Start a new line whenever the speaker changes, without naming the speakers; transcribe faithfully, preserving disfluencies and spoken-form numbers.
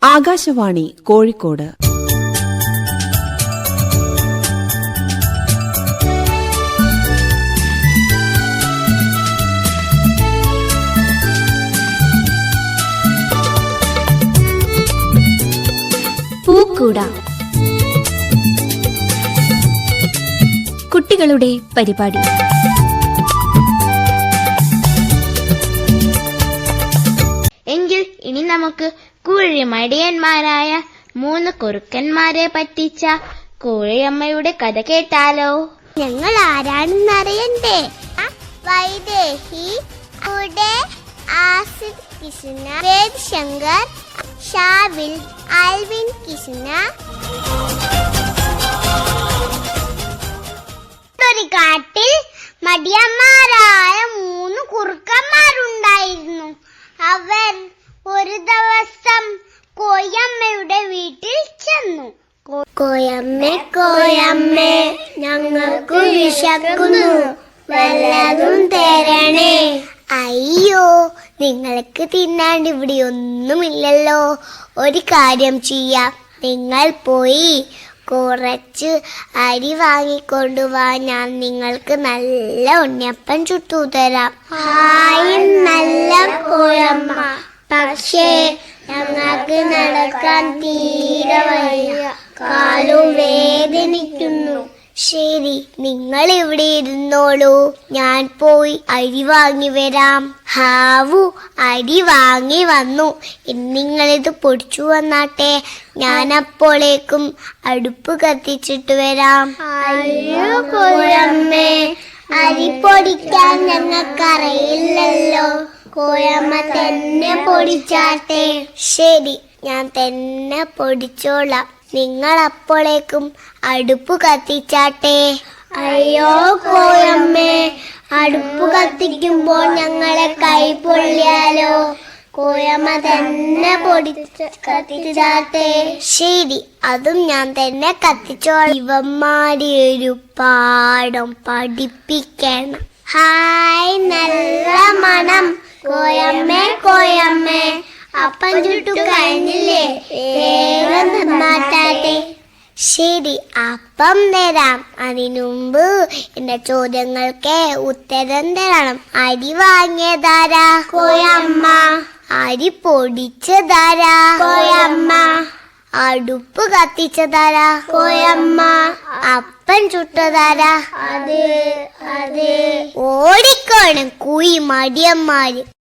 ആകാശവാണി കോഴിക്കോട്.
പൂക്കൂട, കുട്ടികളുടെ പരിപാടി.
എങ്കിൽ ഇനി നമുക്ക് കുഴിമടിയന്മാരായ മൂന്ന് കുറുക്കന്മാരെ പറ്റിച്ച കോഴിയമ്മയുടെ കഥ കേട്ടാലോ?
ഞങ്ങൾ ആരാണെന്നറിയണ്ടേ? വൈദേഹി, ആസിദ് കിഷ്ണ, വേദ് ശങ്കർ, ഷാവിൽ, ആൽവിൻ കിഷ്ണ. ഒരു കാട്ടിൽ മടിയന്മാരായ മൂന്ന് കുറുക്കന്മാരുണ്ടായിരുന്നു. അവർ ഒരു ദിവസം കോയമ്മയുടെ വീട്ടിൽ ചെന്നു. കോയമ്മേ കോയമ്മേ, ഞങ്ങൾക്ക് വിശക്കുന്നു, വല്ലതും തരണേ. അയ്യോ, നിങ്ങൾക്ക് തിന്നാണ്ട് ഇവിടെ ഒന്നുമില്ലല്ലോ. ഒരു കാര്യം ചെയ്യാം, നിങ്ങൾ പോയി കുറച്ച് അരി വാങ്ങിക്കൊണ്ടുവാ, ഞാൻ നിങ്ങൾക്ക് നല്ല ഉണ്ണിയപ്പം ചുട്ടു തരാം. ഹായ് നല്ല കോയമ്മ, പക്ഷേ ഞങ്ങൾക്ക് നടക്കാൻ തീരെ വയ്യ, കാലും വേദനിക്കുന്നു. ശരി, നിങ്ങൾ ഇവിടെ ഇരുന്നോളൂ, ഞാൻ പോയി അരി വാങ്ങി വരാം. ഹാവു അരി വാങ്ങി വന്നു, നിങ്ങളിത് പൊടിച്ചു വന്നാട്ടെ, ഞാൻ അപ്പോഴേക്കും അടുപ്പ് കത്തിച്ചിട്ട് വരാം. അയ്യോ കോയമ്മേ, അരി പൊടിക്കാൻ ഞങ്ങൾക്കറിയില്ലല്ലോ. കോയമ്മ തന്നെ പൊടിച്ചാട്ടെ. ശരി, ഞാൻ തന്നെ പൊടിച്ചോളാം, നിങ്ങൾ അപ്പോഴേക്കും അടുപ്പ് കത്തിച്ചാട്ടെ. അയ്യോ കോയമ്മേ, അടുപ്പ് കത്തിക്കുമ്പോൾ ഞങ്ങളെ കൈ പൊള്ളിയാലോ. കോയമ്മ തന്നെ പൊടിച്ച് കത്തിച്ചാട്ടെ. ശരി, അതും ഞാൻ തന്നെ കത്തിച്ചോളാം. ഇവന്മാരെ ഒരു പാഠം പഠിപ്പിക്കണം. ഹായ് നല്ല മണം. കോയമ്മേ കോയമ്മേ, അപ്പം ചുട്ടു കഴിഞ്ഞില്ലേ, വേഗം തന്നാട്ടെ. ശരി, അപ്പം തരാം. അതിനുമുമ്പ് എന്റെ ചോദ്യങ്ങൾക്ക് ഉത്തരം തരണം. അരി വാങ്ങിയതാരാ? കോയമ്മ. അരി പൊടിച്ചതാരാ? കോയമ്മ. അടുപ്പ് കത്തിച്ചതാരാ? കോയമ്മ. അപ്പം ചുട്ടതാരാ? അത് അത് ഓടിക്കോണം കുയി മടിയന്മാര്.